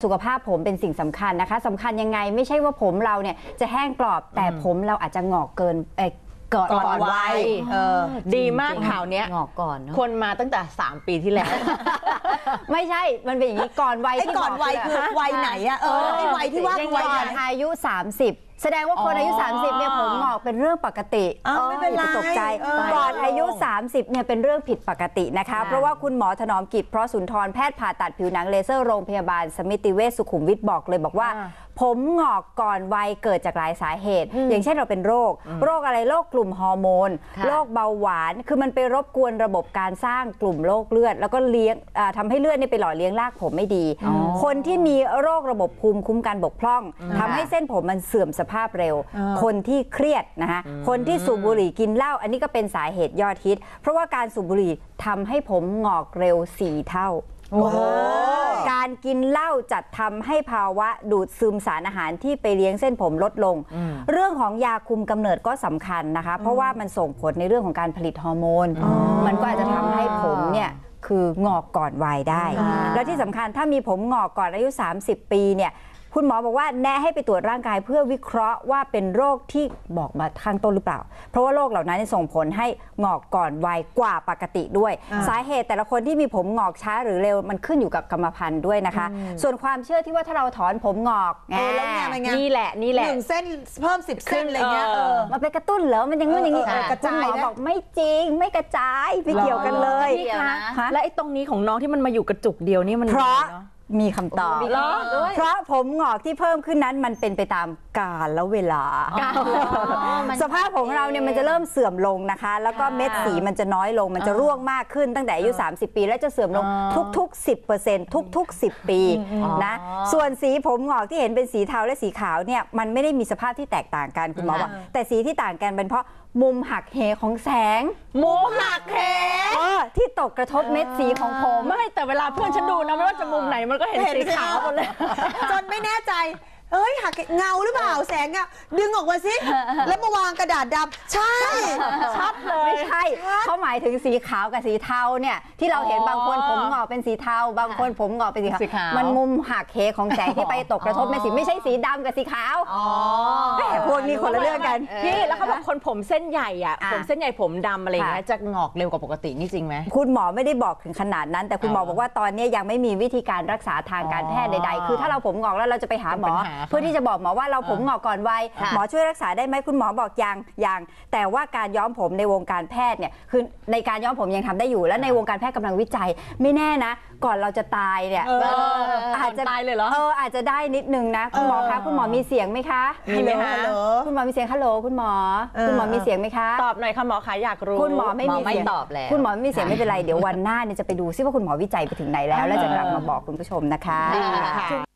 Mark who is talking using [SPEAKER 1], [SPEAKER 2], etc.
[SPEAKER 1] สุขภาพผมเป็นสิ่งสำคัญนะคะสำคัญยังไงไม่ใช่ว่าผมเราเนี่ยจะแห้งกรอบแต่ผมเราอาจจะงอกเกินก่อนวัย
[SPEAKER 2] ดีมากข่าวนี้
[SPEAKER 3] งอกก่อน
[SPEAKER 2] คนมาตั้งแต่3 ปีที่แล้ว
[SPEAKER 1] ไม่ใช่มันเป็นอย่างนี้ก่อนวัยที่
[SPEAKER 4] ก่อนวัยคือวัยไหนอะไอ้วัยที่ว่า
[SPEAKER 1] วัยอายุ30แสดงว่าคนอายุ30เนี่ยผมงอกเป็นเรื่องปกติ
[SPEAKER 4] ไม่เป็นไร
[SPEAKER 1] ตกใจก่อนอายุ30เนี่ยเป็นเรื่องผิดปกตินะคะเพราะว่าคุณหมอถนอมกิจเพราะสุนทรแพทย์ผ่าตัดผิวหนังเลเซอร์โรงพยาบาลสมิติเวชสุขุมวิทบอกเลยบอกว่าผมงอกก่อนวัยเกิดจากหลายสาเหตุอย่างเช่นเราเป็นโรคอะไรโรคกลุ่มฮอร์โมนโรคเบาหวานคือมันไปรบกวนระบบการสร้างกลุ่มโรคเลือดแล้วก็เลี้ยงทำให้เลือดนี่ไปหล่อเลี้ยงรากผมไม่ดีคนที่มีโรคระบบภูมิคุ้มกันบกพร่องทำให้เส้นผมมันเสื่อมสภาพเร็วคนที่เครียดนะคะคนที่สูบบุหรี่กินเหล้าอันนี้ก็เป็นสาเหตุยอดฮิตเพราะว่าการสูบบุหรี่ทำให้ผมงอกเร็ว4 เท่าการกินเหล้าจัดทำให้ภาวะดูดซึมสารอาหารที่ไปเลี้ยงเส้นผมลดลงเรื่องของยาคุมกำเนิดก็สำคัญนะคะเพราะว่ามันส่งผลในเรื่องของการผลิตฮอร์โมนมันก็อาจจะทำให้ผมเนี่ยคืองอกก่อนวัยได้แล้วที่สำคัญถ้ามีผมงอกก่อนอายุ30 ปีเนี่ยคุณหมอบอกว่าแนะให้ไปตรวจร่างกายเพื่อวิเคราะห์ว่าเป็นโรคที่บอกมาข้างต้นหรือเปล่าเพราะว่าโรคเหล่านั้นส่งผลให้งอกก่อนวัยกว่าปกติด้วยสาเหตุแต่ละคนที่มีผมงอกช้าหรือเร็วมันขึ้นอยู่กับกรรมพันธุ์ด้วยนะคะส่วนความเชื่อที่ว่าถ้าเราถอนผมงอก
[SPEAKER 2] นี่แหละ
[SPEAKER 4] 1 เส้นเพิ่ม10 เส้นอะไรเงี้ย
[SPEAKER 1] มันไปกระตุ้นเหรอมันยังงู้นอย่างนี้กระจายบอกไม่จริงไม่กระจายไม่เกี่ยวกันเลย
[SPEAKER 2] และไอ้ตรงนี้ของน้องที่มันมาอยู่กระจุกเดียวนี่มัน
[SPEAKER 1] เพราะมีคำตอบเพราะผมงอกที่เพิ่มขึ้นนั้นมันเป็นไปตามกาลและเวลาสภาพของเราเนี่ยมันจะเริ่มเสื่อมลงนะคะแล้วก็เม็ดสีมันจะน้อยลงมันจะร่วงมากขึ้นตั้งแต่อายุ30 ปีแล้วจะเสื่อมลงทุกๆ 10% ทุกๆ10 ปีนะส่วนสีผมงอกที่เห็นเป็นสีเทาและสีขาวเนี่ยมันไม่ได้มีสภาพที่แตกต่างกันคุณหมอบอกแต่สีที่ต่างกันเป็นเพราะมุมหักเหของแสง
[SPEAKER 2] มุมหักเห
[SPEAKER 1] ที่ตกกระทบเม็ดสีของผม
[SPEAKER 2] ไม่แต่เวลาเพื่อนฉันดูนะไม่ว่าจะมุมไหนมันก็เห็นสีขาวหมดเลย
[SPEAKER 4] จนไม่แน่ใจหักเงาหรือเปล่าแสงอะดึงออกมาสิแล้วมาวางกระดาษดำใช่
[SPEAKER 1] ชัดเลยไม่ใช่เขาหมายถึงสีขาวกับสีเทาเนี่ยที่เราเห็นบางคนผมงอกเป็นสีเทาบางคนผมงอกเป็นสีขาวมันมุมหักเหของแสงที่ไปตกกระทบเม็ดสีไม่ใช่สีดำกับสีขาวแต่พวกนี้คนละเรื่องกัน
[SPEAKER 2] พี่แล้วเขาบอกคนผมเส้นใหญ่อะผมเส้นใหญ่ผมดำอะไรอย่างเงี้ยจะงอกเร็วกว่าปกตินี่จริงไหม
[SPEAKER 1] คุณหมอไม่ได้บอกถึงขนาดนั้นแต่คุณหมอบอกว่าตอนนี้ยังไม่มีวิธีการรักษาทางการแพทย์ใดๆคือถ้าเราผมงอกแล้วเราจะไปหาหมอเพื่อที่จะบอกหมอว่าเราผมงอกก่อนวัยหมอช่วยรักษาได้ไหมคุณหมอบอกยังแต่ว่าการย้อมผมในวงการแพทย์เนี่ยคือในการย้อมผมยังทำได้อยู่และในวงการแพทย์กำลังวิจัยไม่แน่นะก่อนเราจะตายเนี่ย
[SPEAKER 2] อาจจะตายเลยเหรอ
[SPEAKER 1] อาจจะได้นิดนึงนะคุณหมอคะคุณหมอมีเสียงไหมคะ
[SPEAKER 2] มีไหมคะ
[SPEAKER 1] คุณหมอมีเสียงฮัลโหลคุณหมอมีเสียงไหมคะ
[SPEAKER 2] ตอบหน่อยค่ะหมอคะอยากรู้
[SPEAKER 1] คุณหมอไม่มีเสียง
[SPEAKER 3] ตอบแล้ว
[SPEAKER 1] คุณหมอไม่มีเสียงไม่เป็นไรเดี๋ยววันหน้าเนี่ยจะไปดูซิว่าคุณหมอวิจัยไปถึงไหนแล้วจะกลับมาบอกคุณผู้ชมนะคะ